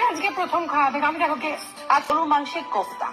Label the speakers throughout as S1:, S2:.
S1: আজকে প্রথম খাওয়াবে, আমি দেখো গেস্ট।
S2: আর গরুর মাংসের কোফতা।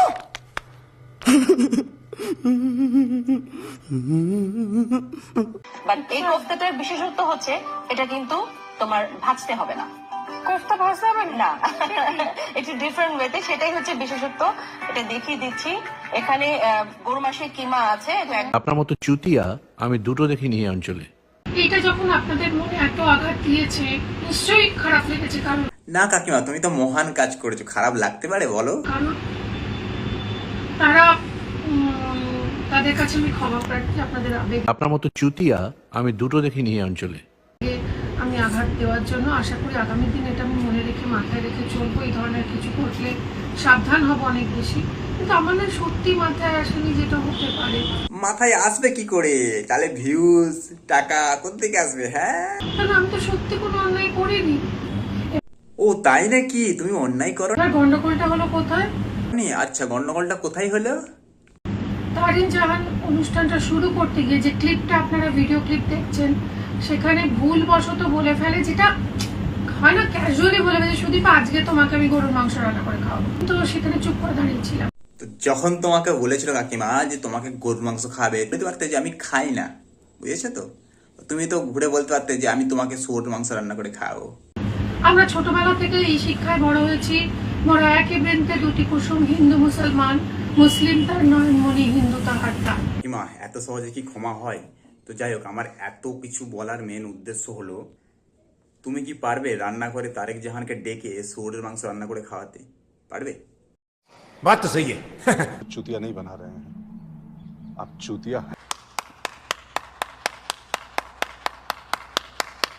S2: বাট এই কোফতাটার বিশেষত্ব হচ্ছে এটা কিন্তু তোমার ভাজতে হবে না।
S1: কোফতা ভাজতে হবে
S2: না, একটু ডিফারেন্ট ওয়েতে, সেটাই হচ্ছে বিশেষত্ব। এটা দেখিয়ে দিচ্ছি। এখানে গরু মাংসের কিমা আছে।
S3: আপনার মতো চুতিয়া আমি দুটো দেখিনি এই অঞ্চলে।
S1: এটা যখন আপনাদের মনে এত আঘাত দিয়েছে, নিশ্চয়ই খারাপ লেগেছে। কারণ
S4: না কাকিমা, তুমি তো মহান কাজ করেছো, খারাপ লাগতে পারে বলো?
S1: কারণ তারা তাদের কাছে আমি ক্ষমা প্রার্থী। আপনাদের আবেগ
S3: আপনার মতো চুতিয়া আমি দুটো দেখিনি এই অঞ্চলে।
S1: আমি আঘাত দেওয়ার জন্য আশা করি আগামী দিন এটা আমি মনে রেখে মাথায় রেখে চলবো। এই ধরনের কিছু ঘটলে সাবধান হব অনেক বেশি। কিন্তু আমার না সত্যি মাথায় আসেনি যেটা হতে পারে।
S4: মাথায় আসবে কি করে? তাহলে ভিউজ টাকা কোত্থেকে আসবে? হ্যাঁ,
S1: কারণ আমি তো সত্যি কোনো অন্যায় করিনি।
S4: ও তাই নাকি? তুমি অন্যায় করো
S1: এবার গন্ডগোলটা হলো কোথায়?
S4: নি? আচ্ছা, গন্ডগোলটা কোথায় হলো?
S1: তারিন জাহান অনুষ্ঠানটা শুরু করতে গিয়ে যে ক্লিপটা আপনারা ভিডিও ক্লিপ দেখছেন, সেখানে ভুলবশত বলে ফেলে, যেটা হয় না, ক্যাজুয়ালি বলে ফেলে, সুদীপ আজকে তোমাকে আমি গরুর মাংস রান্না করে খাওয়াবো। তো সেখানে চুপ করে দাঁড়িয়েছিলাম।
S4: তো যখন তোমাকে বলেছিল কাকিমা যে তোমাকে গরুর মাংস খাবে, বলতে পারতে যে আমি খাই না, বুঝেছো তো? তুমি তো ঘুরে বলতে পারতে যে আমি তোমাকে শুয়োর মাংস রান্না করে খাওয়াবো।
S1: আমরা ছোটবেলা থেকে এই শিক্ষায় বড় হয়েছি, মোরা একই বৃন্তে দুটি কুসুম, হিন্দু মুসলমান, মুসলিম তার নয়নমণি, হিন্দু তাহার প্রাণ।
S4: কাকিমা, এত সহজে কি ক্ষমা হয়? তো যাই হোক, আমার এত কিছু বলার মেন উদ্দেশ্য হলো, তুমি কি পারবে রান্না করে তারেক জাহানকে ডেকে শুয়োরের মাংস রান্না করে খাওয়াতে? পারবে?
S5: बात तो सही है।
S6: चूतिया नहीं बना रहे हैं, आप चूतिया हैं।